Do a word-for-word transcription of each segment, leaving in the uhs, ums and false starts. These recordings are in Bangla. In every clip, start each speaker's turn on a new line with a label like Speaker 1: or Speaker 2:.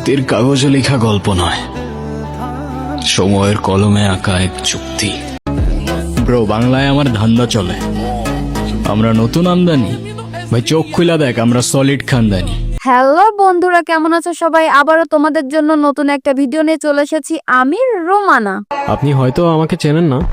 Speaker 1: হাতের কাগজে লেখা গল্প নয়, সময়ের কলমে আঁকা এক চুক্তি। ব্রো, বাংলায় আমার ধান্দা চলে, আমরা নতুন আমদানি। ভাই চোখ খুলা দেখ, আমরা সলিড খানদানি।
Speaker 2: হ্যালো বন্ধুরা, কেমন আছো সবাই? আবারও তোমাদের জন্য নতুন একটা ভিডিও নিয়ে চলে এসেছি আমি, রোমানা।
Speaker 3: আপনি হয়তো আমাকে চেনেন না,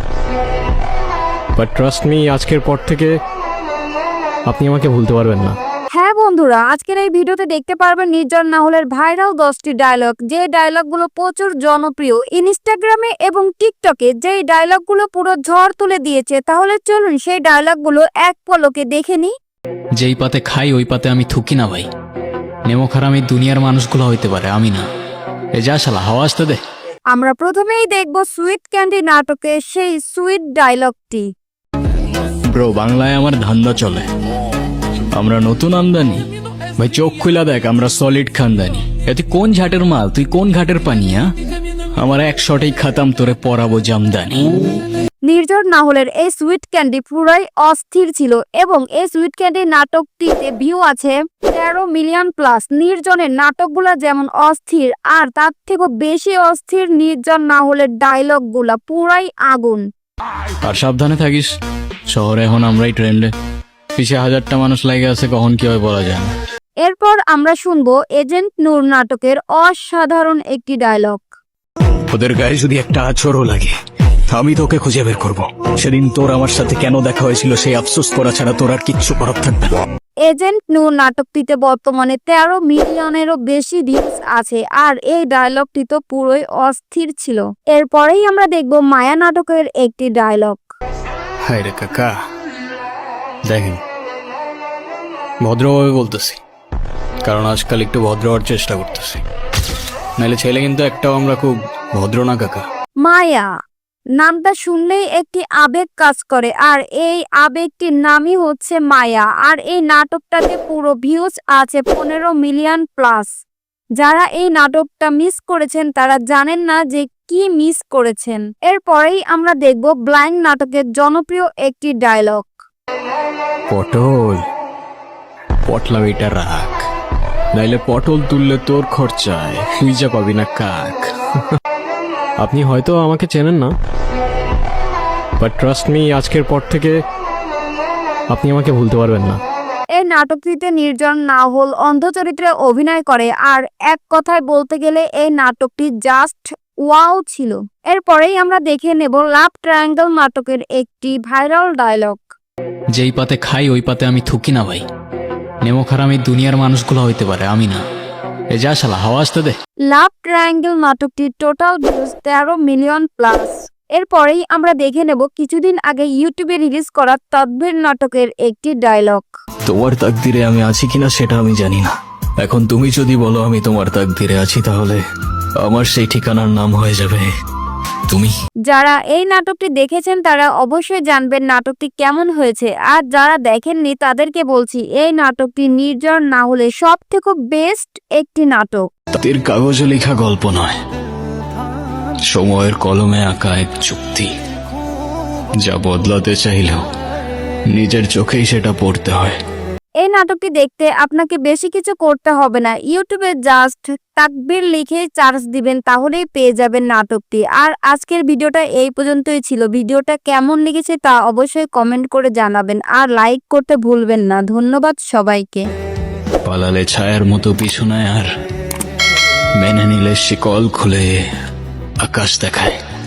Speaker 3: বাট ট্রাস্ট মি, আজকের পর থেকে আপনি আমাকে ভুলতে পারবেন না।
Speaker 2: হ্যাঁ বন্ধুরা, আজকের এই ভিডিওতে দেখতে পারবেন নির্জন নাহলের ভাইরাল দশটি ডায়লগ, যে ডায়লগগুলো প্রচুর জনপ্রিয় ইনস্টাগ্রামে এবং টিকটকে, যেই ডায়লগগুলো পুরো ঝড় তুলে দিয়েছে। তাহলে চলুন সেই ডায়লগগুলো এক পলকে দেখে নিই।
Speaker 1: যেই পাতে খাই ওই পাতে আমি থুকি না ভাই, নেমো খারাপ এই দুনিয়ার মানুষগুলো হইতে পারে, আমি না। এ যা শালা, হাওয়া আসতে দে।
Speaker 2: আমরা প্রথমেই দেখব সুইট ক্যান্ডি নাটকে সেই সুইট ডায়লগটি।
Speaker 1: ব্রো, বাংলায় আমার ধান্দা চলে, আমরা নতুন আমদানি। ভাই চোখ খুলা দেখ, আমরা সলিড খানদানি। এ তুই কোন ঝাটের মাল, তুই কোন ঘাটের পানিয়া? আমার এক শটেই খাতাম, তোরে পরাবো জামদানি।
Speaker 2: নির্জন নাহলের এই সুইট ক্যান্ডি পুরাই অস্থির ছিল এবং এই সুইট ক্যান্ডি নাটকটিতে ভিউ আছে তেরো মিলিয়ন প্লাস। নির্জনের নাটকগুলা যেমন অস্থির, আর তার থেকেও বেশি অস্থির নির্জন নাহলের ডায়লগগুলা, পুরাই আগুন।
Speaker 1: আর সাবধানে থাকিস, শহরে এখন আমরাই ট্রেন্ডে, পিছিয়ে হাজারটা মানুষ লাগে আছে, কখন কি হয় বলা যায় না।
Speaker 2: এরপর আমরা শুনবো এজেন্ট নূর নাটকের অসাধারণ একটি ডায়লগ।
Speaker 1: ওদের গায়ে যদি একটা আছরও লাগে, আমি তোকে খুঁজে বের করব। সেদিন তোর আমার সাথে কেন দেখা হয়েছিল সেই আফসোস করা ছাড়া তোর আর কিচ্ছু করার থাকবে না।
Speaker 2: এজেন্ট নূর নাটকটিতে বর্তমানে তেরো মিলিয়নেরও বেশি ভিউজ আছে, আর এই ডায়লগটি তো পুরোই অস্থির ছিল। এরপরেই আমরা দেখব মায়া নাটকের একটি ডায়লগ।
Speaker 1: হায় রে কাকা, দেখেন ভদ্রভাবে বলতেছি, কারণ আজকাল একটু ভদ্র হওয়ার চেষ্টা করতেছি, নাহলে ছেলে কিন্তু একটাও আমরা খুব ভদ্র না কাকা।
Speaker 2: মায়া নামটা শুনলেই একটি আবেগ কাজ করে, আর এই আবেগটির নামই হচ্ছে মায়া। আর এই নাটকটাতে পুরো ভিউজ আছে পনেরো মিলিয়ন প্লাস। যারা এই নাটকটা মিস করেছেন তারা জানেন না যে কি মিস করেছেন। এরপরেই আমরা দেখব ব্লাইন্ড নাটকের জনপ্রিয় একটি ডায়লগ।
Speaker 1: পটল পটলা এটা রাখ, নাইলে পটল তুললে তোর খরচায় খুঁজা পাবি না কাক।
Speaker 3: আপনি হয়তো আমাকে চেনেন না, বাট ট্রাস্ট মি, আজকের পর থেকে আপনি আমাকে ভুলতে পারবেন না।
Speaker 2: এই নাটকটিতে নির্জন নাহল অন্ধ চরিত্রে অভিনয় করে, আর এক কথায় বলতে গেলে এই নাটকটি জাস্ট ওয়াও ছিল। এরপরেই আমরা দেখে নেব লাভ ট্রায়াঙ্গেল নাটকের একটি ভাইরাল ডায়লগ।
Speaker 1: যেই পাতে খাই ওই পাতে আমি থুকি না ভাই, নেমো খারাপ এই দুনিয়ার মানুষগুলো হইতে পারে, আমি না। এ যা শালা, হাওয়া আসতে দে।
Speaker 2: লাভ ট্রায়াঙ্গেল নাটকটির টোটাল ভিউজ তেরো মিলিয়ন প্লাস। এরপরেই আমরা দেখে নেব কিছুদিন আগে ইউটিউবে রিলিজ করা তদ্ভীর নাটকের একটি ডায়লগ।
Speaker 1: তোমার তাকদিরে আমি আছি কিনা সেটা আমি জানি না, এখন তুমি যদি বলো আমি তোমার তাকদিরে আছি, তাহলে আমার সেই ঠিকানার নাম হয়ে যাবে তুমি।
Speaker 2: যারা এই নাটকটি দেখেছেন তারা অবশ্যই জানবেন নাটকটি কেমন হয়েছে, আর যারা দেখেননি তাদেরকে বলছি এই নাটকটি নির্জন নাহলে সব থেকে বেস্ট একটি নাটক।
Speaker 1: হাতের কাগজে লেখা গল্প নয়, সময়ের কলমে আঁকা এক চুক্তি। যা বদলাতে চাইলেও নিজের চোখেই সেটা পড়তে হয়।
Speaker 2: এই নাটকটি দেখতে আপনাকে বেশি কিছু করতে হবে না, ইউটিউবে জাস্ট তাকবীর লিখে সার্চ দিবেন, তাহলেই পেয়ে যাবেন নাটকটি। আর আজকের ভিডিওটা এই পর্যন্তই ছিল। ভিডিওটা কেমন লেগেছে তা অবশ্যই কমেন্ট করে জানাবেন, আর লাইক করতে ভুলবেন না। ধন্যবাদ সবাইকে।
Speaker 1: পালালে ছায়ার মতো পিছনে, আর মেনে নিলে শিকল খুলে আকাশ দেখায়।